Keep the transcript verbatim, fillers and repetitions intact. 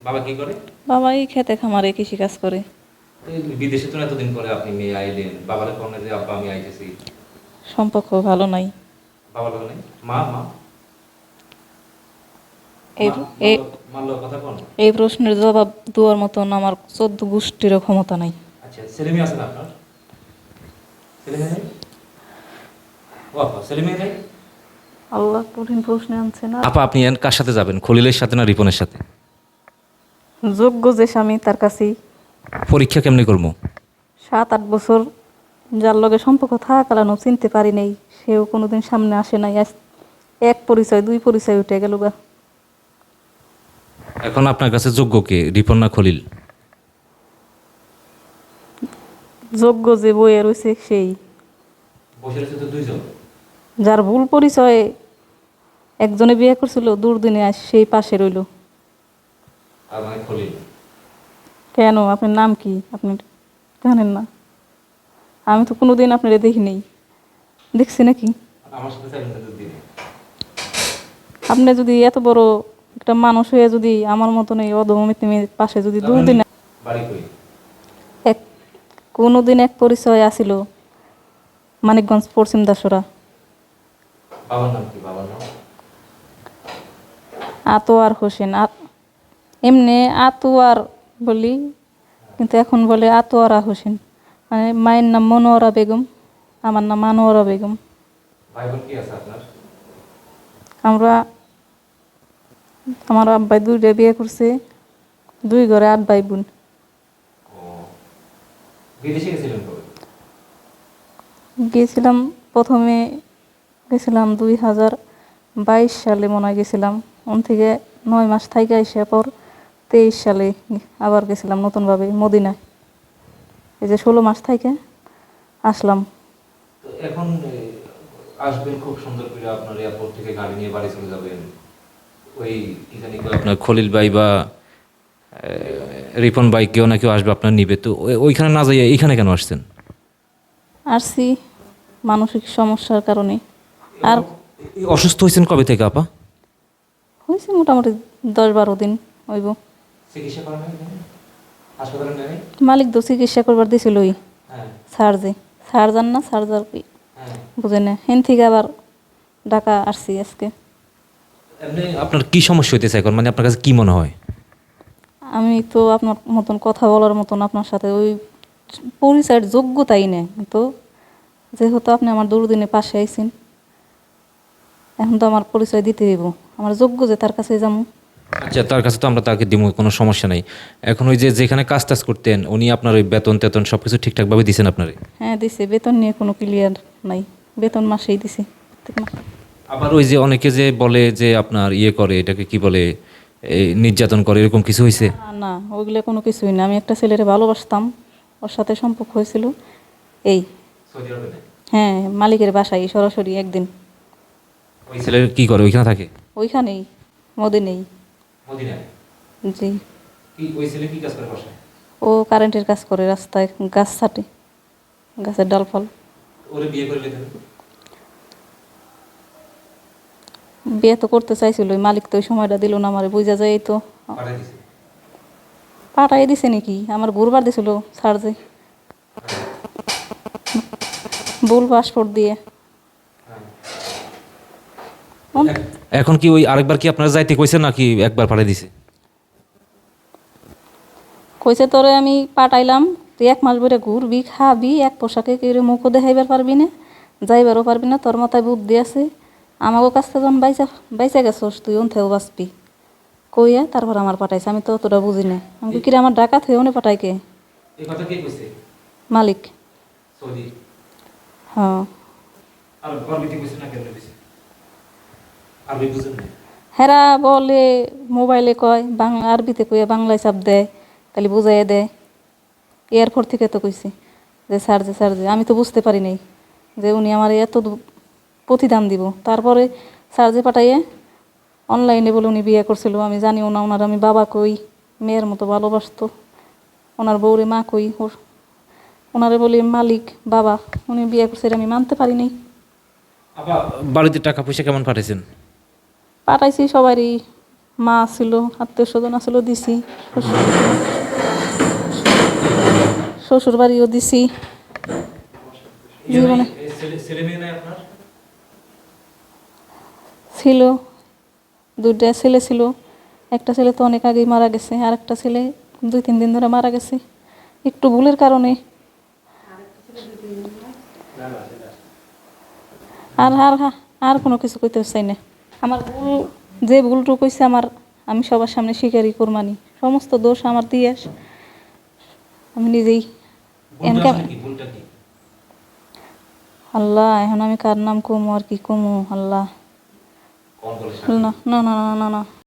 বাবা কি করে? বাবা এই খেতে খামারে কৃষিকাজ করে। এই বিদেশে তো এতদিন পরে আপনি মেয়ে আইলেন, বাবারে কোন যে আব্বা আমি আইতেছি। সম্পর্ক ভালো নাই। বাবা লোক নেই, মা মা এই মা এই মাল্লো মাল্লো কথা কোন? এই প্রশ্নের জবাব দেওয়ার মতন আমার চোদ্দ গোষ্ঠীরও ক্ষমতা নাই। আচ্ছা, ছেলে মেয়ে আছে না আপনার? ছেলে মেয়ে নেই? ও আপা, ছেলে মেয়ে নেই? আল্লাহ কঠিন প্রশ্নে আনছে না। আপা আপনি এন কার সাথে যাবেন, খলিলের সাথে না রিপনের সাথে? যোগ্য যে স্বামী তার কাছেই। পরীক্ষা কেমনি করবো? সাত আট বছর যার লগে সম্পর্ক থাকালানো চিনতে পারি নাই, সেও কোনোদিন সামনে আসে নাই। আজ এক পরিচয় দুই পরিচয় উঠে গেল গা। এখন আপনার কাছে যোগ্য কে, রিপন না খলিল? যোগ্য যে বইয়ে রয়েছে সেই। বসে রয়েছে তো দুইজন। যার ভুল পরিচয়ে একজনে বিয়ে করছিল, দুর্দিনে আজ সেই পাশে রইল। আর মানে খলিল। কেন, আপনার নাম কি? আপনি জানেন না? আমি তো কোনোদিন আপনারা দেখি নেই। দেখছি নাকি? আমার সাথে চাইলেন তো দিনে। আপনি যদি এত বড় একটা মানুষ হয়ে যদি আমার মতন এই অধমমিত মেয়ের পাশে যদি তার মানে দুদিন বাড়ি কই? এক কোনোদিন এক পরিচয় আসিল, মানিকগঞ্জ পশ্চিম দাসরা। বাবার নাম কি? বাবার নাম আতোয়ার হোসেন। আত- এমনি আতোয়ার বলি, কিন্তু এখন বলে আতোয়ারা হোসেন। মানে মায়ের নাম মনোয়ারা বেগম, আমার নাম আনোয়ারা বেগম। ভাই বোন কি আছে আপনার? আমরা আমার আব্বাই দুইটা বিয়ে করছে, দুই ঘরে আট ভাই বোন। ও, বিদেশে গেছিলেন কবে? গিয়েছিলাম প্রথমে, গেছিলাম দুই হাজার বাইশ সালে মনে হয় গেছিলাম। ওন থেকে নয় মাস থাইকা এসে পর তেইশ সালে আবার গেছিলাম নতুনভাবে মদিনায়। এই যে ষোলো মাস থাইকে আসলাম। তো এখন এ, আসবেন খুব সুন্দর করে, আপনার এয়ারপোর্ট থেকে গাড়ি নিয়ে বাড়ি চলে যাবেন। ওই কি জানি কয় আপনার খলিল ভাই বা এ, রিপন ভাই কেউ না কেউ আসবে আপনার নিবে, তো ওই- ওইখানে না যাইয়া এইখানে কেন আসছেন? আসছি মানসিক সমস্যার কারণে। আর এই অসুস্থ হয়েছেন কবে থেকে আপা? হয়েছে মোটামুটি দশ বারো দিন হইব। চিকিৎসা করেন নাই? হাসপাতালে নেই? মালিক তো চিকিৎসা করবার দিছিলই। হ্যাঁ সার্জে সার্জার না সার্জার কি হ্যাঁ। বুঝে না, হেন থেকে আবার ঢাকা আসছি আজকে। এমনি আপনার কি সমস্যা হইতেছে এখন, মানে আপনার কাছে কি মনে হয়? আমি তো আপনার মতন কথা বলার মতন আপনার সাথে ওই পরিচয়ের যোগ্যতাই নেই, তো যেহেতু আপনি আমার দুর্দিনে পাশে আইছেন, এখন তো আমার পরিচয় দিতে হইব। আমার যোগ্য যে তার কাছে যাবো। আচ্ছা, তার কাছে তো আমরা তাকে দিব, কোনো সমস্যা নাই। এখন ওই যে যেখানে কাজ টাজ করতেন উনি আপনার ওই বেতন টেতন সব কিছু ঠিকঠাকভাবে দিচ্ছেন আপনারে? হ্যাঁ দিছে, বেতন নিয়ে কোনো ক্লিয়ার নাই, বেতন মাসেই দিছে প্রত্যেক মাসে। আবার ওই যে অনেকে যে বলে যে আপনার ইয়ে করে, এটাকে কি বলে, এই নির্যাতন করে, এরকম কিছু হয়েছে? না না, ওইগুলো কোনো কিছুই না। আমি একটা ছেলেরে ভালোবাসতাম, ওর সাথে সম্পর্ক হয়েছিল এই। হ্যাঁ, মালিকের বাসায় সরাসরি একদিন। ওই ছেলে কি করে, ওইখানে থাকে? ওইখানেই মদিনেই। মদিনায়? জি। কি ওই ছেলে কি কাজ করে বাসায়? ও কারেন্টের কাজ করে, রাস্তায় গাছ ছাটে, গাছের ডালফল। ওরে বিয়ে করে লেখেন? বিয়ে তো করতে চাইছিল, ওই মালিক তো ওই সময়টা দিল না আমারে, বুঝা যায়। এই তো পাঠাই দিছে? পাঠাই দিছে নাকি, আমার ঘুরবার দিছিল সার্জে ভুল পাসপোর্ট দিয়ে। উম, এখন কি ওই আরেকবার কি আপনারা যাইতে কইছে নাকি একবার পাঠাই দিছে? কইছে তোরে আমি পাঠাইলাম, তুই এক মাস ধরে ঘুরবি খাবি, এক পোশাকে কেউ মুখও দেখাইবার পারবি না, যাইবারও পারবি না, তোর মাথায় বুদ্ধি আছে। আমাকে কাছ থেকে যখন বাইচা বাইচা গেছস তুই ওনথেও বাঁচবি কইয়া তারপর আমার পাঠাইছে। আমি তো অতটা বুঝি না, আমি কিরে আমার ডাকাত হয়ে উনি পাঠাই কে? এই কথা কে কইছে? মালিক। সৌদি? হ্যাঁ। আর গর্বিতে কইছে না কেন কইছে? আরবি বুঝেন না? হেরা বলে মোবাইলে কয়, বাংলা আরবিতে কইয়া বাংলায় চাপ দেয়, তাহলে বুঝাইয়া দেয়। এয়ারপোর্ট থেকে তো কইছি যে স্যার যে স্যার যে, আমি তো বুঝতে পারি নাই যে উনি আমার এত দু- প্রতিদান দিব। তারপরে স্যার যে পাঠাইয়ে অনলাইনে বলে উনি বিয়ে করছিল, আমি জানিও না ওনার আমি বাবা কই, মেয়ের মতো ভালোবাসতো। ওনার বউরে মা কই, ওর ওনারে বলি মালিক বাবা, উনি বিয়ে করছে, এটা আমি মানতে পারি নাই। আপা বাড়িতে টাকা পয়সা কেমন পাঠাইছেন? পাঠাইছি সবারই মা ছিল, আত্মীয় স্বজন আসলো দিছি, শ্বশুর বাড়িও দিছি। জীবনে ছেলে মেয়ে নাই আপনার? ছিল, দুইটা ছেলে ছিল। একটা ছেলে তো অনেক আগেই মারা গেছে, আর একটা ছেলে দুই তিন দিন ধরে মারা গেছে একটু ভুলের কারণে। আর আর আর কোনো কিছু কইতে চাই না। আমার ভুল, যে ভুলটুকু কইছে আমার, আমি সবার সামনে স্বীকারই করমানি। সমস্ত দোষ আমার দিয়ে আস, আমি নিজেই ভুলটা আসলে কি? ভুলটা কি? আল্লাহ, এখন আমি কার নাম কমু আর কি কমু আল্লাহ। কোন বলে না না না না না না